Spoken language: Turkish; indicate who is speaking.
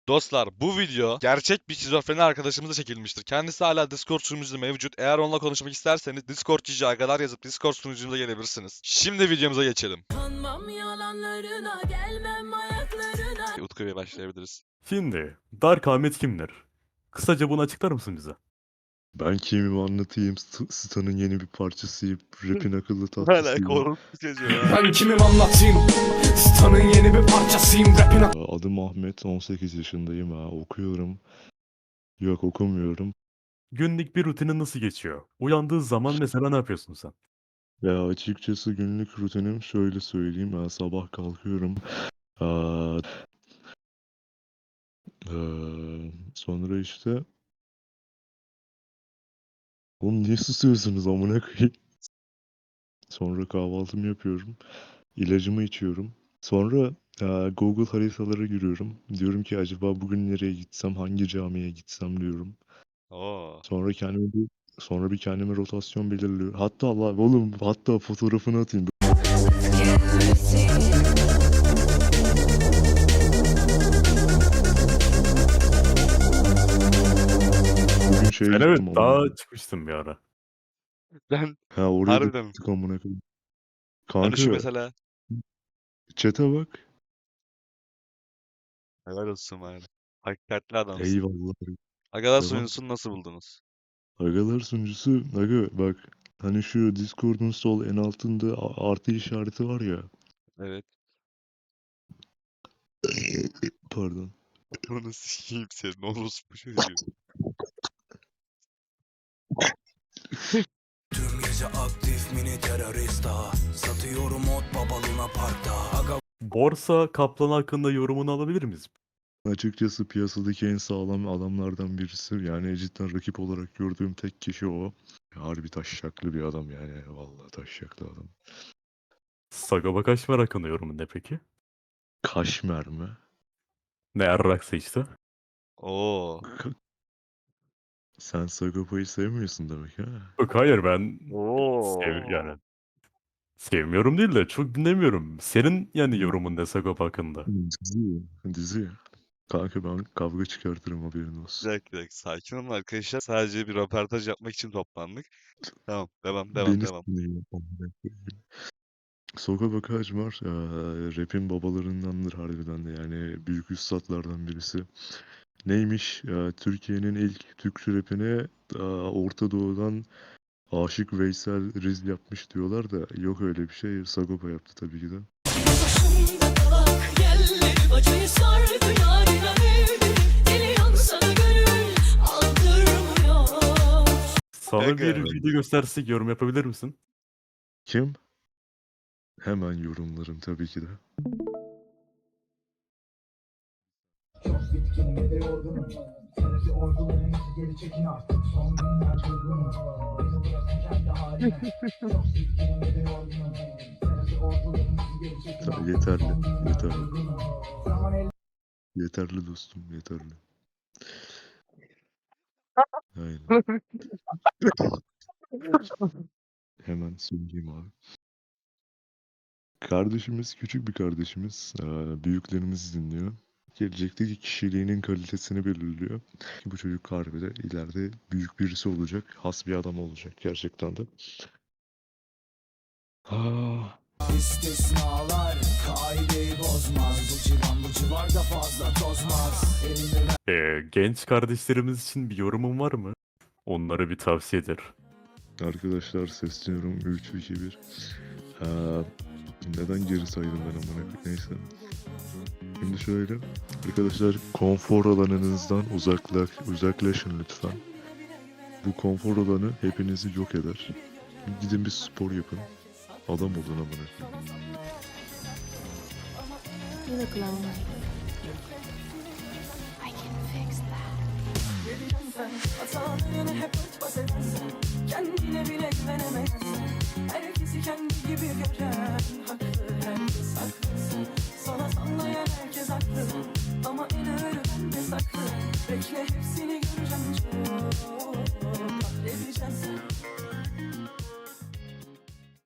Speaker 1: Dostlar bu video gerçek bir şizofreni arkadaşımızla çekilmiştir. Kendisi hala Discord sunucumuzda mevcut. Eğer onunla konuşmak isterseniz Discord GG agalar yazıp Discord sunucumuza gelebilirsiniz. Şimdi videomuza geçelim.
Speaker 2: Kanmam yalanlarına, gelmem ayaklarına.
Speaker 1: Utku Bey başlayabiliriz.
Speaker 3: Şimdi Dark Ahmet kimdir? Kısaca bunu açıklar mısın bize?
Speaker 4: Ben kimimi anlatayım. Stan'ın yeni bir parçasıyım. Rap'in akıllı
Speaker 1: Hala
Speaker 4: tatlısıyım.
Speaker 1: korkunç çocuğu ya.
Speaker 5: Ben kimim anlatayım? Stan'ın yeni bir parçasıyım. Rap'in
Speaker 4: Adım Ahmet, 18 yaşındayım. Okuyorum. Yok, okumuyorum.
Speaker 3: Günlük bir rutinin nasıl geçiyor? Uyandığı zaman mesela ne yapıyorsun sen?
Speaker 4: Ya açıkçası günlük rutinim şöyle söyleyeyim. Sabah kalkıyorum. Aa, sonra işte... Oğlum niye susuyorsunuz amına koyayım? Sonra kahvaltımı yapıyorum. İlacımı içiyorum. Sonra Google haritalara giriyorum. Diyorum ki acaba bugün nereye gitsem, hangi camiye gitsem diyorum.
Speaker 1: Oo.
Speaker 4: Sonra bir kendime rotasyon belirliyorum. Hatta hatta fotoğrafını atayım. Bugün şeye
Speaker 3: Ben evet
Speaker 4: gittim
Speaker 3: daha çıkmıştım bir ara.
Speaker 1: Ben
Speaker 4: oraya da
Speaker 1: harbiden.
Speaker 4: gittik amına koyayım.
Speaker 1: Hani şu
Speaker 4: Kanka
Speaker 1: mesela.
Speaker 4: chat'e bak.
Speaker 1: Helal olsun bari. Hakikatli adamsın.
Speaker 4: Eyvallah.
Speaker 1: Agalar
Speaker 4: Devam.
Speaker 1: sunucusunu nasıl buldunuz?
Speaker 4: Agalar sunucusu. Aga bak. Hani şu Discord'un sol en altında artı işareti var ya.
Speaker 1: Evet.
Speaker 4: Pardon.
Speaker 1: Onu sikeyim senin orospu çocuğu.
Speaker 5: Tüm gece aktif mini terörista. Satıyorum ot babaluna parkta. Aga
Speaker 3: Borsa Kaplan hakkında yorumunu alabilir miyiz?
Speaker 4: Açıkçası piyasadaki en sağlam adamlardan birisi. Yani cidden rakip olarak gördüğüm tek kişi o. Harbi taşşaklı bir adam yani. Vallahi taşşaklı adam.
Speaker 3: Sagopa Kajmer hakkında yorumun ne peki?
Speaker 4: Kaşmer mi?
Speaker 3: Ne yarraksa işte.
Speaker 1: Oo.
Speaker 4: Ka- Sen Sagopa'yı sevmiyorsun demek ha?
Speaker 3: Yok hayır ben
Speaker 1: Oo.
Speaker 3: yani sevmiyorum değil de çok dinlemiyorum. Senin yani yorumun ne Sagopa hakkında?
Speaker 4: Dizi. Dizi. Kanka ben kavga çıkartırım haberin
Speaker 1: Bir
Speaker 4: olsun.
Speaker 1: dakika, bir dakika. Sakin olun arkadaşlar. Sadece bir röportaj yapmak için toplandık. Tamam. Devam, devam,
Speaker 4: Beni
Speaker 1: devam.
Speaker 4: sinirlendim. Sagopa Kajmer rap'in babalarındandır harbiden de yani büyük üstatlardan birisi. Neymiş? Türkiye'nin ilk Türkçe rapine Orta Doğu'dan Aşık Veysel Riz yapmış diyorlar da yok öyle bir şey. Sagopa yaptı tabii ki de.
Speaker 2: Başımda kalak yerleri, bacayı sardı yarına evleri. Deli yansana gönül aldırmıyor.
Speaker 3: Sana
Speaker 1: Kanka.
Speaker 3: bir video göstersek yorum yapabilir misin?
Speaker 4: Kim? Hemen yorumlarım tabii ki de.
Speaker 6: Çok bitkin ve de yorgunum. Sebebi ordularımız geri çekin artık. Son günler durgunum. Beni bırakın kendi halime. Çok bitkin ve de yorgunum. Sebebi ordularımız geri çekin
Speaker 4: Tabii
Speaker 6: artık.
Speaker 4: yeterli.
Speaker 6: Son günler
Speaker 4: Yeterli.
Speaker 6: durgunum. Zaman el
Speaker 4: Yeterli dostum. Yeterli. Aynen. Hemen söyleyeyim abi. Kardeşimiz, küçük bir kardeşimiz. Büyüklerimiz dinliyor. Gelecekteki kişiliğinin kalitesini belirliyor. Ki bu çocuk harbide ileride büyük birisi olacak. Has bir adam olacak gerçekten de. Ah,
Speaker 5: istisnalar kaideyi bozmaz. Bu civarda fazla tozmaz. Elimde
Speaker 3: Genç kardeşlerimiz için bir yorumun var mı? Onlara bir tavsiyedir.
Speaker 4: arkadaşlar sesleniyorum. 3, 2, 1. Neden geri saydım ben amına koyayım? Neyse. Şimdi şöyle. Arkadaşlar konfor alanınızdan uzaklaşın lütfen. Bu konfor alanı hepinizi yok eder. Gidin bir spor yapın. Adam olun amına koyayım.
Speaker 2: You look lonely. I can fix that. Hatalarını hep örtbas edersen, kendine bile güvenemezsen, herkesi kendi gibi gören,